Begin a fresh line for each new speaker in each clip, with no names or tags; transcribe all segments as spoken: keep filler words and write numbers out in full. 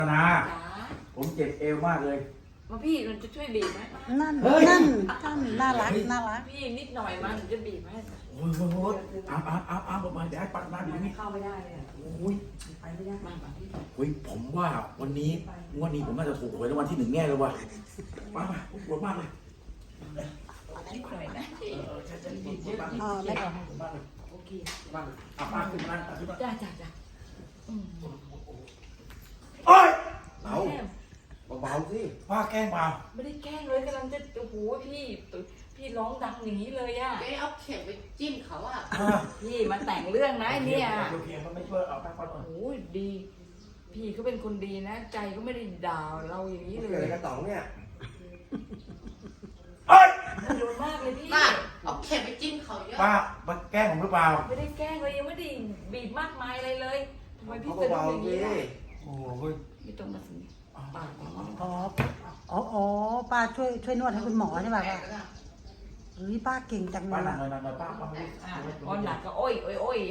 นาผมเจ็บเอวมากเลย
มาพี่มันจะช่วยบีบไหม
นั่นนั่นท่านน่ารักน่ารัก
พี่นิดหน่อยมันจะบีบไหม
โอ้ยโอ้ยโอ้ยอาบอาบอาบอาบมาเดี๋ยวให้ปัดน้ำอยู่นี่
เข้าไม่ได้เลย
โอ้ย
ไปไม่ได้มาพี่
เฮ้ยผมว่าวันนี้วันนี้ผมน่าจะถูกหวยรางวัลที่หนึ่งแน่เลยว่ะมามาปวดมากเลย
นิดหน่อยนะ
เออใช่ใช่ปวดเยอะมาก
อ๋อไม่เอา
มากเลย
โอเค
มากเลยอาบมาขึ้นมาขึ้นมา
จ้าจ้าจ้า
โอ้ย
เอาเบาๆสิ
ป้าแกล้งเปล่า
ไม่ได้แกล้งเลยกำลังจะโอ้โหพี่พี่ร้องดังอย่างนี้เลยอ่ะ
ไปเอาเข็มไปจิ้มเขาอ่ะ
พี่มาแต่งเรื่องนะเนี่ย
โอเคมันไม่ช่วยเอาแป้งฟัน
โอ้ยดีพี่เขาเป็นคนดีนะใจก็ไม่ได้ด่าเราอย่างนี้เลย
กระต๋องเนี่ย
เอ้ย
มันโดนมากเลยพี่
ป้าเอาเข็มไปจิ้มเขาเยอะ
ป้ามาแกล้งผมหรือเปล่า
ไม่ได้แกล้งเลยยังไม่ได้บีบมากมายอะไรเลยทำไมพี่
เขา
เป็น
เบา
อย่าง
ๆสิ
นี้
โอ้ย
ไม่ต้องมาสิปากของมัน
อ๋ออ๋ออ๋อป้าช่วยช่วยนวดให้คุณหมอใช่ไหมป้าเฮ้ยป้าเก่งจังเล
ป้าย หนักหน่อยหนักหน่อยป้าป้า
พอหนักก็โอ้ยโอ้ยโอ้ย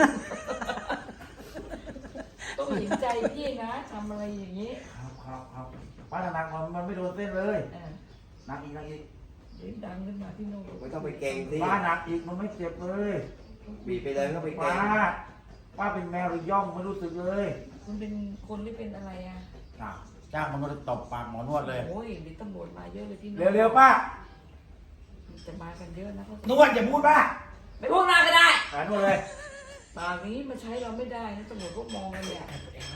ต้องเห็นใจพี่นะทำอะไรอย่างนี้
ครับครับครับป้าหนักมันมันไม่โดนเส้นเลยหนักอีกหนักอีก
เดี๋ยวดังขึ้นมาพี่โน้ต
ไม่ต้องไปเก่งสิ
ป้าหนักอีกมันไม่เจ็บเลย
บีบไปเลยก็ไปเก่
ป้าง ป้าเป็นแมวหรือย่องไม่รู้สึกเลย
คุณเป็นคนหรือเป็นอะไรอ่ะ
จ้างมันก็ตบปากหมอนวดเลย
โอ้ยเดี๋ยวตำรวจมาเยอะเลยพี่โน้
ตเร็วๆป้า
จะมากันเยอะนะ
นวดอย่าพูดป้า
ไม่พูดมาก็ได้
นวดเลย
ปากนี้มาใช้เราไม่ได้นะตำรวจก็มองกันเนี่ย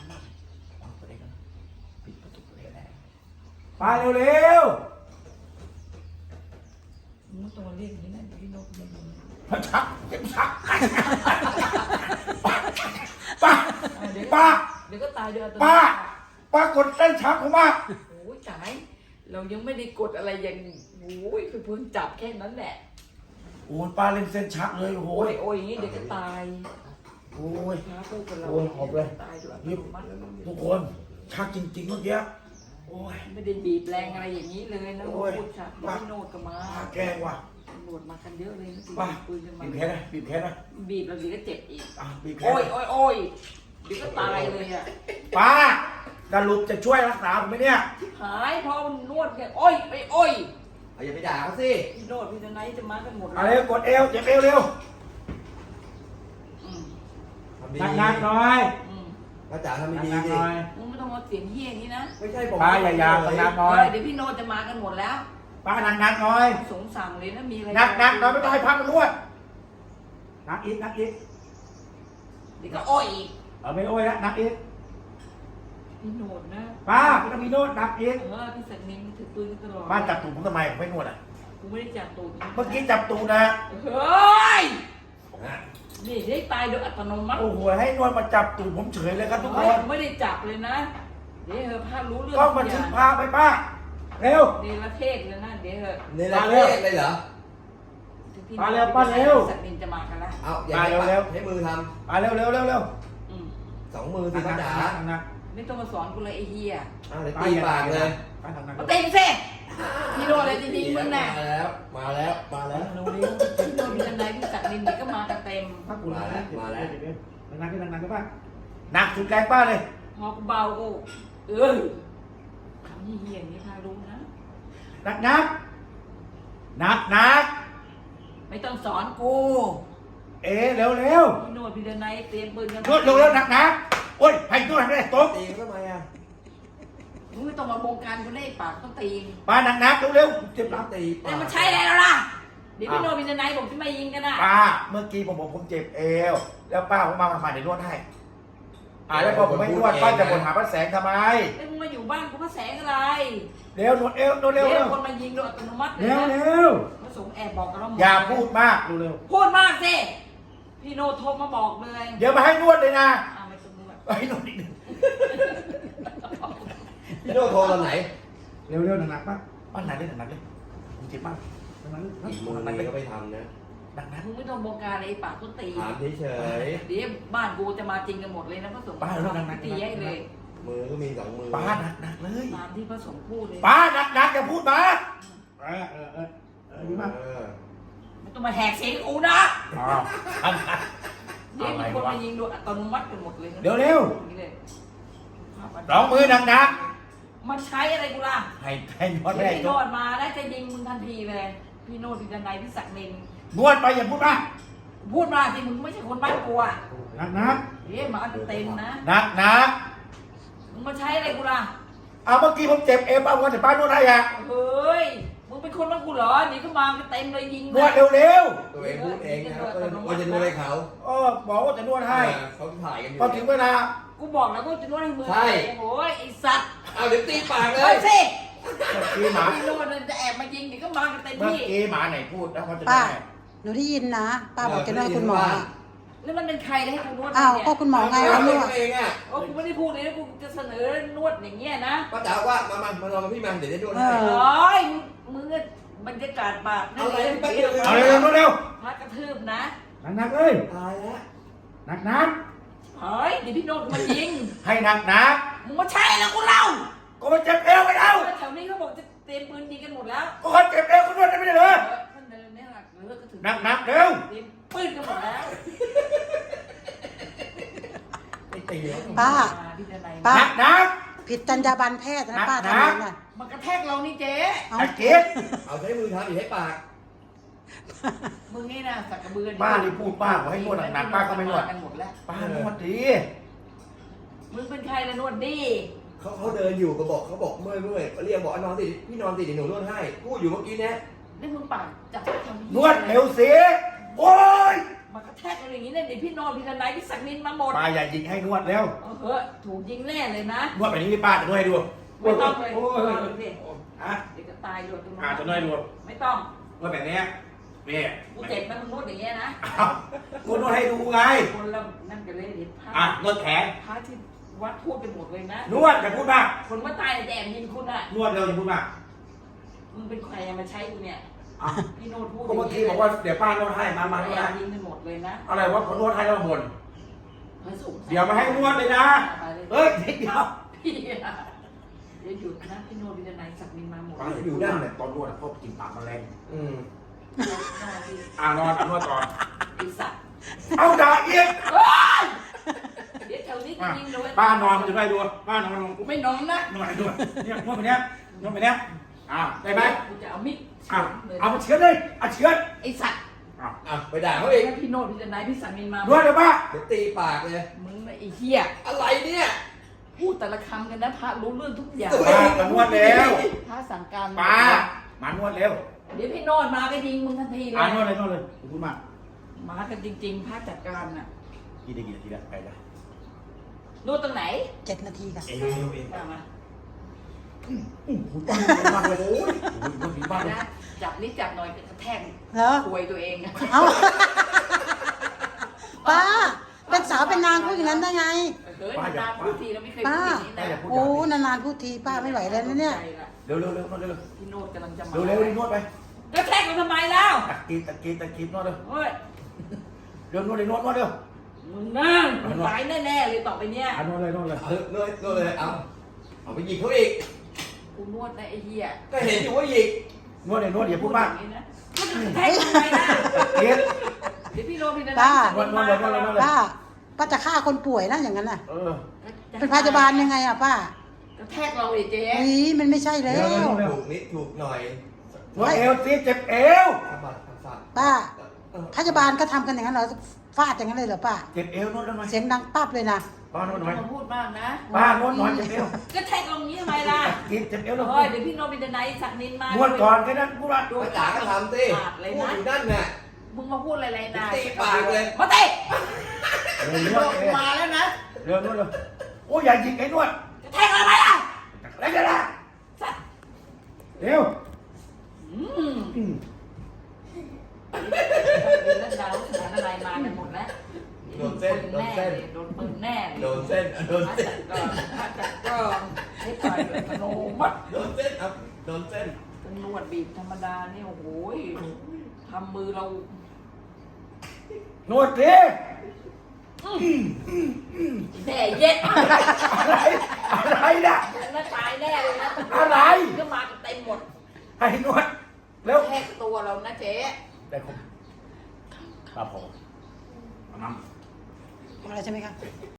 ป้าเร็ว
ๆมึงต้องมาเรียกอย่างนี้นะพี่โน้ตมัน
ๆมันชักเจ็บชักป้าป้าป้า
เดี๋ยวก็ตายเดือด
ป้าป้ากดเส้นชักผมมา
โอ้ยจ่ายเรายังไม่ได้กดอะไรอย่างโอ้ยเพิ่งจับแค่นั้นแหละ
โอ้ยป้าเล่นเส้นชักเลยโอ้
ยโอ้ยอย่างนี้เดี๋ยวก็ตาย
โอ้ย
โอ้
ยหอบเลยนี่ทุกคนชักจริงๆเมื่อกี้โอ้ย
ไม่ได้บีบแรงอะไรอย่างนี้เลยนะพูดชักพี่โนดก็มา
แกงว่ะ
ตำรวจมากันเยอะเลยนะ
ป้าบีบแค่นะบีบแค่นะ
บีบแล้วดีก็เจ็บอีก
บีบแค่
โอ้ยโอ้ยโอ้ยเดี๋ยวก็ตายเลยอ่ะ
ป้าสรุปจะช่วยรักษาผมไหมเนี่ย
หายพอมันนวดแค่โอ้ยไปโอ้ย
อย่าไปด่าเขาสิ
พี่โนดพี่จะไหนจะมากันหมด
เลยเร็วกดเอวเจ็บเอวเร็วหนักๆหน่อย
ป้าจ๋าทำดีๆดิ
มึงไม่ต้องมาเสียงเฮี้ยนี้นะ
ไม่ใช่ผม
ป้าอย่าอย่าหนักๆหน่อย
เดี๋ยวพี่โนดจะมากันหมดแล้ว
ป้าหนักๆหน่อย
สงสั่งเลยนะมีอะไร
หนักๆหน่อยไม่ต้องให้พักมันนวดหนักอีกหนักอีก
เดี๋ยวก็โอ้ยอีก
เออไม่โอ้ยแล้วหนักอีก
พี่โนดนะ
ป้าไม่ต้องมีโนดหนักอีก
เออพี่สักนินถือปืนตลอด
ป้าจับตูดผมทำไมผมไม่นวดอ่ะ
กูไม่ได้จับตูด
เมื่อกี้จับตูดนะ
เฮ้ยนี่ได้ตายโดยอัตโนมัติ
โอ้โหให้นวดมาจับตูดผมเฉยเลยครับทุกคน
ไม่ได้จับเลยนะเดี๋ยวเธอพารู้เรื่อง
ก็มาถึงพาไปป้าเร็ว
เนรเทศเลยนะเดี๋ยวเธอ
เนรเทศเลยเหรอ
ป้าเร็วป้าเร็ว
สักนินจะมากันแล้ว
เอาอย่าเร็วเร็วให้มือท
ำป้าเร็วเร็วเร็วเร็ว
สองมือสิป้าจ๋า
ไม่ต้องมาสอนกูเลยไอ้เฮีย
เอาเลยตีปากเลย
มาตีมสิพี่โดนอะไรจริงๆมึงน่ะ
มาแล้วมาแล้วมาแล้ว
พี่โดนมีอะไรพี่สักนินเดี๋ยวก็มากันเต็ม
มาแล้วมาแล้ว
หนักๆหนักๆป้าหนักสุดแรงป้าเลย
พอกูเบากูเออคำนี้เฮียนี่พารู้นะ
หนักนักหนักหนัก
ไม่ต้องสอนกู
เอ๋เร็วเร็ว
พี่โนดพี่เดนไนเตรียมปืนกัน
นวดเร็วเร็วหนักหนักโอ้ยให้นวดให้ได้ตบ
ตีทำไมอ่ะ
มึงไม่ต้องมาบงการกูเล่ปากต้องตี
ป้าหนักหนักเร็วเร็วเจ็บหลัง
ตี
แต่มันใช่แล้วล่ะเดี๋ยวพี่โนดพี่เดนไนบอกที่ไม่ยิงกันอ่ะ
ป้าเมื่อกี้ผมบอกผมเจ็บเอวแล้วป้าผมมามาเดี๋ยวนวดให้อ่าแล้วพอผมไม่นวดป้าจะบ่นหาป้าแสงทำไม
แล้วมึงมาอยู่บ้านกูก็แสงอะไร
เร็วนวดเอวนวดเร็ว
เร็วคนมายิงโดยอัตโนมัติเลย
นะเร็วเร็ว
พระสงฆ์แอบบอกกันแล้ว
อย่าพูดมากเร็วเร็ว
พูดมากสิพี่โนโทรมาบอกเลย
เดี๋ยวมาให้นวดเลยนะ
อ่าไม่ต้องนวด
ให้นวดอีกหนึ่ง
พี่โน้ตโทรตอนไหน
เร็วเร็วหนักหนักป้าป้าหนักเลยหนักหนักเลยผมเจ็บมากหนักหนักเลย
อีกมือนึงก็ไปทำนะ
หนักหนัก
มึงไม่ต้องบงการไอ้ปากต้นตี
ถามเฉย
เดี๋ยวบ้านกูจะมาจริงกันหมดเลยนะพระสงฆ์
ป้าเร็วหนักหนัก
ตีให้เลย
มือก็มีสองมือ
ป้าหนักหนักเลย
ตามที่พระสงฆ์พูดเลย
ป้าหนักหนักอย่าพูดมาเออเออเออเออดีมาก
ไม่ต้องมาแหกเสียงกูนะ
อ๋อ
เดี๋ยวมีคนมายิงโดยอัตโนมัติกันหมดเลย
เร็วเร็ว
นี่เลยพา
สองมือหนักหนัก
มันใช้อะไรกูล่ะ
ให้ให้นวด
เดี๋ยว
ให้
พี่โนดมาแล้วจะยิงมึงทันทีเลยพี่โนดพี่ดนัยพี่ศักดิ์นิน
นวดไปอย่าพูดมาก
พูดมาสิมึงไม่ใช่คนบ้านกูอ่ะ
หนักหนัก
เฮ้ยมาเต็มนะ
หนักหนัก
มึงมาใช้อะไรกูล่ะ
เอาเมื่อกี้ผมเจ็บเอวป้าวันแต่ป้านวดให้อะ
เฮ้ยมึงเป็นคนบ้านกูเหรอหนีก็มาเต็มเลยยิง
นวดเร็ว
ตัวเองพูดเองนะครับว่าจะนวดให้เขา
ๆเออบอกว่าจะนวดให้
เขาถ่ายกันอยู่
พอถึงเวลา
กูบอกแล้วก็จะนวดให้มึง
ใช่
โอ้ยไอ้สัตว์
เอาเดี๋ยวตีปากเล
เฮ้
ย
ยสิ
เมื่อกี้หมา
พี่โนดจะแอบมายิงเดี๋ยวก็มากันเต็ม
เมื่อ
ที่
กี้หมาไหนพูดแล้วเขาจะ
ป้า
ได้
หนูได้ยินนะ ป้าบอกจะนวดให้คุณหมอ
แล้วมันเป็นใครเลยให้กูนวด
อ้าว
เนี่ย
ก็คุณหมอไง
เอา
เขาน
เอ
ว
ง
ด
เองอ่ะ
โอ้กูไม่ได้พูดเลยนะกูจะเสนอนวดอย่างเงี้ยนะ
ป้าจ๋าว่ามามามานอนกับพี่มันเดี๋ยวได้นวด
เอ
ให้
อ
โอ้ยมึงก็บรรยากาศบาปนั่น
เอา
เล
เลย
ย
แป๊บเดียว
เอาเร็วๆเร็ว
พระกระทืบนะ
ๆหนักๆเลย
ตายแล้ว
หนัก
เฮ้ยเดี๋ยวพี่โนดมายิง
ๆให้หนัก
มึงมาใช่แล้วกูเล่า
ๆก็มาเจ็บเอวไปแล้ว
แถวนี้เขาบอกจะเตรียมปืนยิงกันหมดแล้ว
ก็คนเจ็บเอวก็นวดได้ไม่ได้เลย
ท่านเดินเนี่ยหลักเลือก็ถึง
หนักๆเร็ว
เตรียมปืนกันหมดแล้ว
ไม่ตีแล้ว
ป้า
พี่จะไหน
ป้า
หนัก
ผิดจรรยาบรรณแพทย์นะป้า
หนั
ทำ
ก
อย่างนั้นน่ะ
มันกระแทกเรานี่เจ๊
เอา
ๆตะเกียบ
เอาใช้มือทำอย่าใช้ปาก
มึงนี่นะสักกระเบือ
ป้านี่พูดป้าบอกให้นวดหนักๆป้าก็ไม่นวด
กันหมดแล้ว
ป้านวดดี
มึงเป็นใครละนวดดี
เขาเขาเดินอยู่ก็บอกเขาบอกเมื่อยเมื่อยเรียกบอกนอนสิพี่นอนสิเดี๋ยวหนูนวดให้พูดอยู่เมื่อกี้เนี่ย
นี่มึงปากจับทำ
นวดเร็วสิโอ้ย
มากระแทกอะไรอย่างนี้เนี่ยเดี๋ยวพี่โนดพี่ทนายพี่ศักดิ์นินมาหมด
ป้าอย่ายิงให้นวดเร็ว
เออเฮ้ยถูกยิงแน่เลยนะ
นวดแบบนี้นี่ป้าจะนวดให้ดู
ไม่ต้องเลย
โอ้ย
ไม่ต้องเลย
ฮะ
เดี๋ยวจะตายโดนตรง
อ่าจะนวดให้ดู
ไม่ต้อง
นวดแบบเนี้ยนี่
กูเจ็บนะมึงนวดอย่างเงี้ยนะ
อ้าวกูนวดให้ดูไง
คนละนั่นกันเลยเดี๋ยวพระ
อ่ะนวดแขน
พระที่วัดพูดไปหมดเลยนะ
นวดอย่าพูดมาก
คนว่าตายแต่แอบยิงคุณอ่ะ
นวดเร็วอย่าพูดมาก
มึงเป็นใครมาใช้กูเนี่ย
อ่ะ
พี่โนดพูด
ก็เมื่อกี้บอกว่าเดี๋ยวป้านวดให้มามานวด
แอ
ให้
บยิงกันหมดเลยนะ
อะไรวะพอนวดให้แล้วบ่น
พระสงฆ์
เดี๋ยวมาให้นวดเลยนะ
ไปเลย
เฮ้ยนิดเดียว
พี่อะเดี๋ยวหยุดนะพี่โนดพี่ทนายศักดิ์นินมาหมด
ป้าจะอยู่ด้านเนี่ยตอนนวดอะพ่อกินปากแมลง
อืม
อ่านอนอ่ะนวดต่อ
ไอ้สัตว์
เอาด่าอีก
เฮ้ยเดี๋ยวแถวนี้จะ
อ่ะ
ยิงเลย
ป้านอนมันจะได้ดูป้านอนลง
กูไม่นอนนะ
นวดให้ดูเนี่ยนวดไปเนี้ยนวดไปเนี้ยอ่าได้ไหม
กูจะเอามิด
อ่ะ
เลย
เอามาเชือดเลยเอาเชือด
ไอ้สัตว์
อ่ะ
อ่ะไปด่าเขาเอง
ถ้าพี่โนดพี่ทนายพี่ศักดิ์นินมาน
วดเลยป้า
เดี๋ยวตีปากเลย
มึงน่ะไอ้เหี้ย
อะไรเนี่ย
พูดแต่ละคำกันนะพระรู้เรื่องทุกอย่าง
ป้ามานวดเร็ว
พระสั่งการ
ป้ามานวดเร็ว
เดี๋ยวพี่โนดมาก็ยิงมึงทันทีเล
อ่าย นวดเลยนวดเลยขอบคุณมาก
มากันจริงๆพระจัดการน่ะ
กี่นาทีกี่นาทีแล้วไปละ
นวดตรงไหน
เจ็ดนาทีค่ะ
เองเองเอง
มามา
โอ้โหป้านวดเลยโอ้ยโอ้ยนวดดีมากเลย
นะจับนิดจับหน่อยกระแทก
เหรอ
ควยตัวเองอะ
เอา ป้า เป็นสาวเป็นนางพูดอย่างนั้นได้ไง
เฮ้ยนานๆพูดทีเราไม่เคย
ป้า
พูดอย่างนี้นะ
โอ้ นานๆพูดทีป้าไม่ไหวแล้วนะเนี่ย
ใจละ
เร็วเร็วเร็วนวดเร็ว
พี่โนดกำลังจะมา
เร็วเร็วเร็วนวดไป
กระแทกเราทำไมแล้ว
ตะกี้ตะกี้ตะกี้นวดเร็ว
เฮ้ย
เร็วนวดเลยนวดนวดเร็ว
มึงนั่งมึงตายแน่ๆเลยต่อไปเนี้ย
อ่านวดเลยนวดเลย
เอานวดนวดเลยเอาเอาไปหยิกเขาอีก
กูนวดนะไอ้เหี้ย
ก็เห็นอยู่ว่าหยิก
นวดเลยนวดอย่าพูดมาก
อย่งนี้นะมึงจะกระแทกทำไมนะ
เกียร
เดี๋ยวพี่โนดพี่นาย
ป้า
นวดนวดเลยนวดเลยนวดเลย
ป้า ป้าจะฆ่าคนป่วยนะอย่างนั้นน่ะ
เออ
เป็นพยาบาลยังไงอ่ะป้าก
ระแทกเราไอ้เจ๊
นี่มันไม่ใช่แล้ว
ถูกนิดถูกหน่อย
นวดเอวสิเจ็บเอว
สะบัดสะบัด
ป้า
เออ
พยาบาลก็ทำกันอย่างนั้นเหรอ ฟาดอย่างนั้นเลยเหรอป้า
เจ็บเอวนวดทำไม
เสียงดังปั๊บเลยนะ
ป้านวดหน่อย
มาพูดมากนะ
ป้านวดหน่อยเจ็บเอว
กระแทกเราอย่างนี้ทำไมล่ะ
กินเจ็บเอวแล้ว
เฮ้ยเดี๋ยวพี่โนบินดาไนท์สักนินมาน
วดก่อนแค่นั้นพูดว่า
ดู
ป้าจ๋าก็ทำสิ
ปากเลย
พูด
นะ
อยู่นั่นน่ะ
มึงมาพูดอะไรๆนะ
ตีปากเลย
มาเตะ
เร็วน
โน
วด
ด
เอว
มาแล้วนะ
เร็วนวดเร็วโอ้ยอย่ายิงไอ้นวด
กระแทกเราทำไมล่ะ
อะไรกันล่ะ
สัตว์
เร็ว
อืม
อืม
แล้วดาวสถานอะไรมากันหมดแล้ว
โดนเส้นโดนเส้น
โดนปืนแน่
โดนเส้นโดน
พระ
เส้น
จัดการพระจัดการให้ต่อยเลยมโนมัด
โดนเส้นครับโดนเส้น
นวดบีบธรรมดาเนี่ยโอ้โหทำมือเรา
นวดสิ
แน่เย็ด
อะไรอะไรน่ะ
น่าตายแน่เลยนะ
อะไร
ก็มากันเต็มหมด
ให้นวดเร็ว
แทกตัวเรานะเจ๊
ได้ครบครับผมเอาน้ำ
พอแล้วใช่ไหมคะ